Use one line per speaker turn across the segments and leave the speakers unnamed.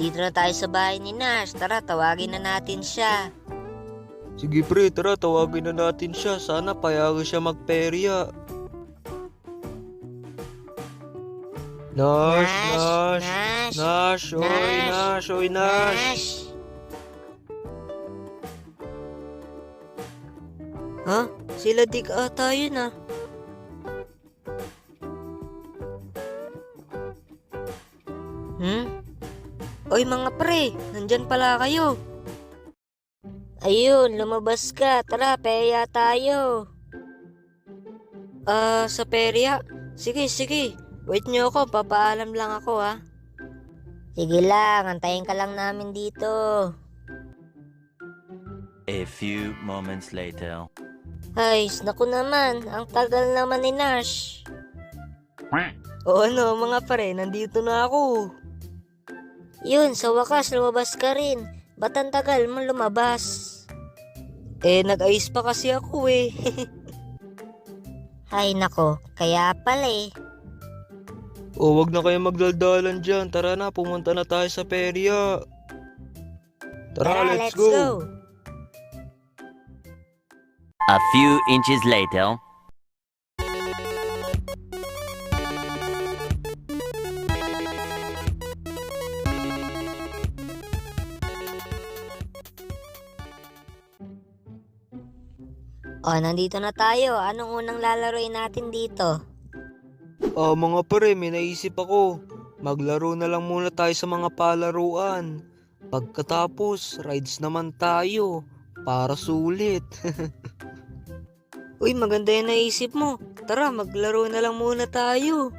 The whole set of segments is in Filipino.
nandito na tayo sa bahay ni Nash. Tara, tawagin na natin siya.
Sige pre, tara tawagin na natin siya. Sana payagan siya magperya. Nash, Nash, Nash, oy Nash, oy Nash.
Ha? Sila Dick ata yun ah. Oy mga pre, nandyan pala kayo. Ayun, lumabas ka. Tara, perya tayo. Sa perya? Sige, sige. Wait nyo ako, papaalam lang ako ha. Sige lang, antayin ka lang namin dito.
A few moments later.
Ay, naku naman, ang tagal naman ni Nash. O ano mga pre, nandito na ako. Yun, sa wakas lumabas ka rin. Ba't ang tagal mo lumabas? Nag-ayos pa kasi ako eh. Ay nako, kaya pala eh.
O wag na kayo magdaldalan dyan. Tara na, pumunta na tayo sa perya. Tara, let's go.
A few inches later.
O, nandito na tayo. Anong unang lalaroin natin dito?
Mga pre, may naisip ako. Maglaro na lang muna tayo sa mga palaruan. Pagkatapos, rides naman tayo. Para sulit.
Uy, maganda yung naisip mo. Tara, maglaro na lang muna tayo.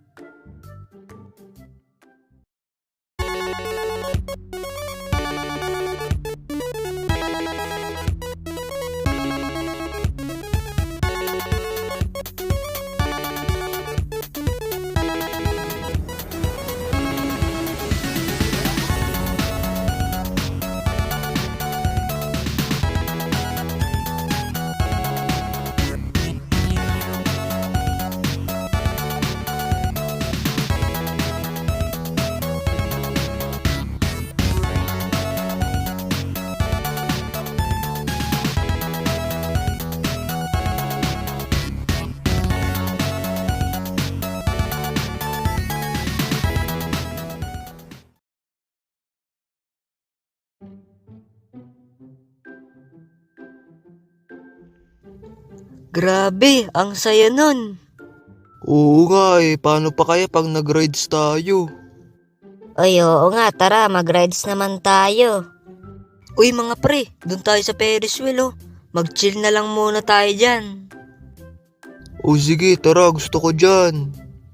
Grabe, ang saya nun.
Oo nga eh, paano pa kaya pag nag-rides tayo?
Uy, oo nga, tara, mag-rides naman tayo. Uy mga pre, dun tayo sa Ferris wheel oh. Mag-chill na lang muna tayo dyan.
O sige, tara, gusto ko dyan.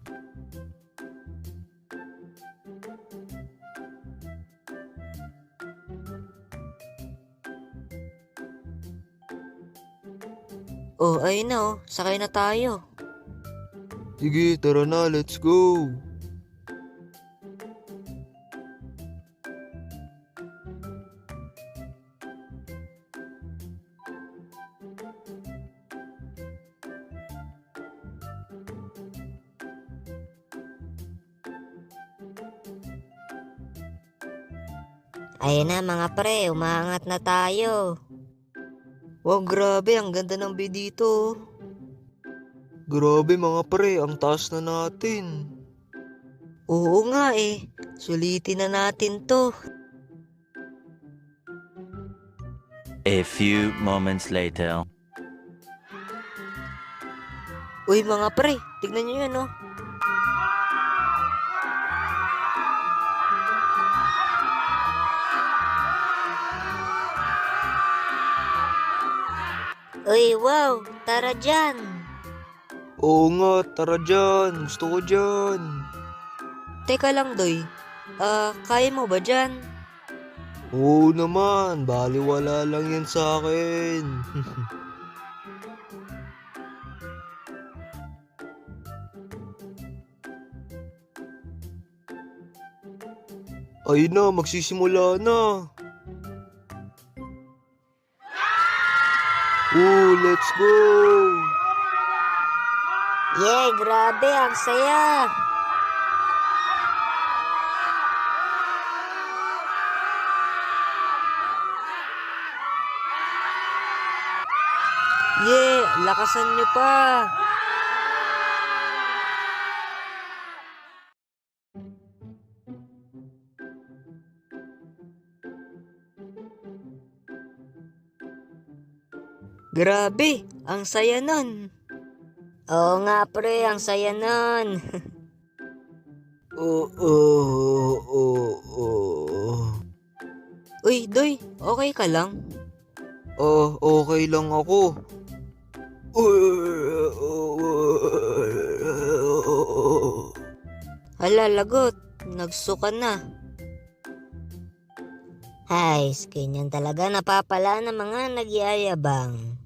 Oh, ayun na oh, sakay na tayo.
Sige, tara na, let's go.
Ayun na mga pre, umaangat na tayo. Wow, grabe, ang ganda ng view dito.
Grabe mga pre, ang taas na natin.
Oo nga eh, sulitin na natin to.
A few moments later.
Uy mga pre, tignan nyo yan oh. Uy, wow, tara dyan.
Oo nga, tara dyan, gusto ko dyan.
Teka lang Doy, kaya mo ba dyan?
Oo naman, baliwala lang yan sa akin. Ayun na, magsisimula na. Let's go!
Yay, grabe, ang saya. Yeah, lakasan nyo pa. Grabe, ang saya nun. Oo nga pre, ang saya nun. Uy, Doy, okay ka lang?
Okay lang ako.
Hala, lagot. Nagsuka na. Ay, ganyan talaga napapala ng mga nagyayabang.